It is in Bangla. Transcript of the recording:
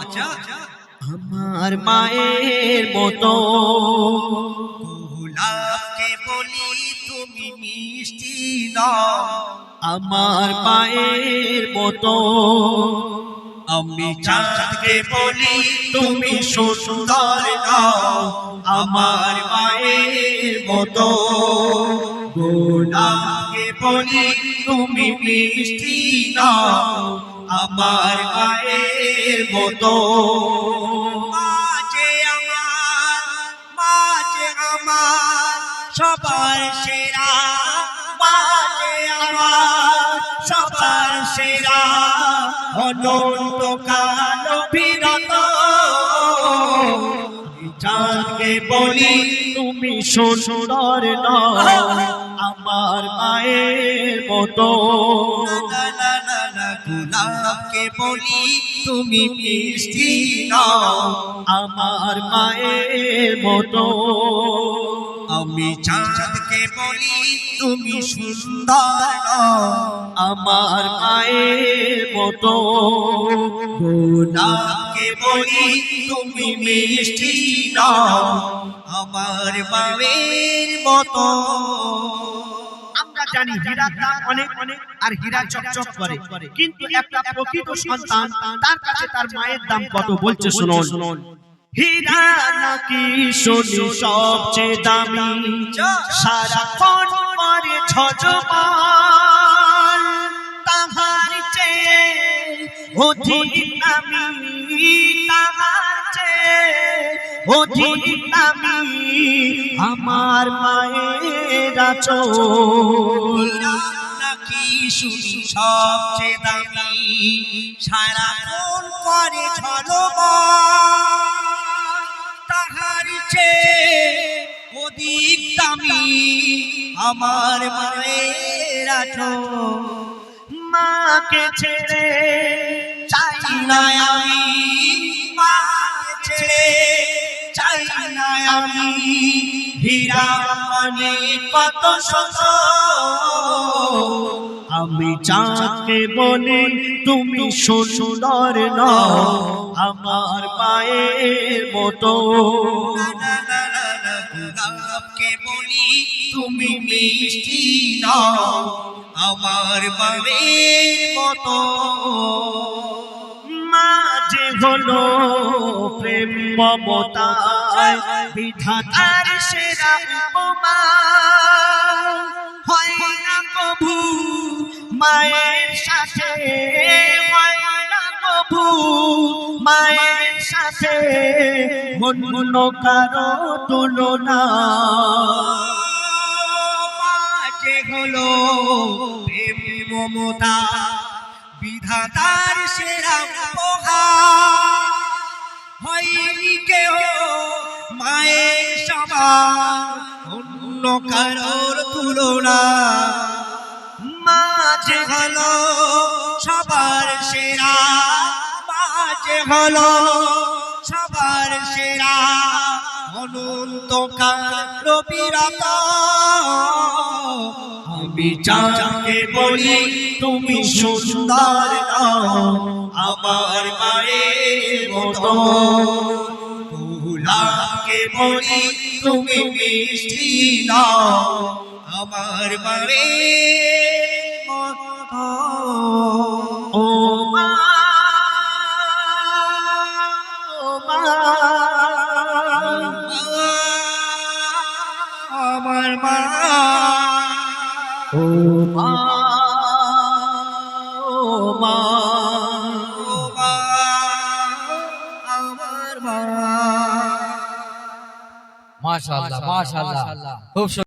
আমার মায়ের মতো। গোলাপকে বলি তুমি মিষ্টি নাও, আমার মায়ের মতো। আমি চাঁদকে বলি তুমি সুন্দর নাও, আমার মায়ের মতো। গোলাপকে বলি তুমি মিষ্টি নাও, আমার মায়ের মতো। মাঝে আমার সবার সেরা, মাঝে আমার সবার সেরা, অনন্তকাল বিরত। চাঁদকে বলি তুমি সুন্দর নাও, আমার মায়ের মতো। গোলাপকে বলি তুমি মিষ্টি নাও, আমার মায়ের মতো। আমি চাঁদকে বলি তুমি সুন্দর নাও, আমার মায়ের মতো। গোলাপকে বলি তুমি মিষ্টি নাও, আমার মায়ের মতো। আমরা জানি হীরার দাম অনেক আর হীরা চকচক করে, কিন্তু একটা প্রকৃত সন্তান তার কাছে তার মায়ের দাম কত বলছে শুনুন। হীরা নাকি শুনি সবচেয়ে দামি, সারাক্ষণ করে ঝলমল, তাহার চেয়ে অধিক দামি, তাহার চেয়ে অধিক দামি আমার মায়ের আঁচল। নাকি শুনি সবচেয়ে দামি, সারাক্ষণ করে ঝলমল, তাহার চেয়ে অধিক দামি আমার মায়ের আঁচল। মাকে ছেড়ে চাই না আমি, মাকে ছেড়ে চাই না আমি, হীরা মানে কত শত। আমি চাঁদকে বলি তুমি সুন্দর নাও, আমার মায়ের মতো। গোলাপকে বলি তুমি মিষ্টি নাও, আমার মায়ের মতো। মা যে হলো প্রেম মমতায় বিধাতার সেরা উপমা, হয় না কভু মায়ের সাথে, হয় না কভু মায়ের সাথে অন্য কারো তুলনা। মাঝে হলো প্রেম মমতা বিধাতার সেরা উপহার, হয়নি কেহ মায়ের সমান অন্য কারোর তুলনা। মাঝে হলো সবার সেরা, মাঝে হলো সবার সেরা, অনন্তকাল বিরত। আমি চাঁদকে বলি তুমি সুন্দর নাও, আমার মায়ের মতো। গোলাপকে বলি তুমি মিষ্টি নাও, আমার মায়ের মতো। ও মা, ও মা, আমার মা, ও মা, ও মা। ও মা, আমার মা। মাশাআল্লাহ মাশাআল্লাহ, খুব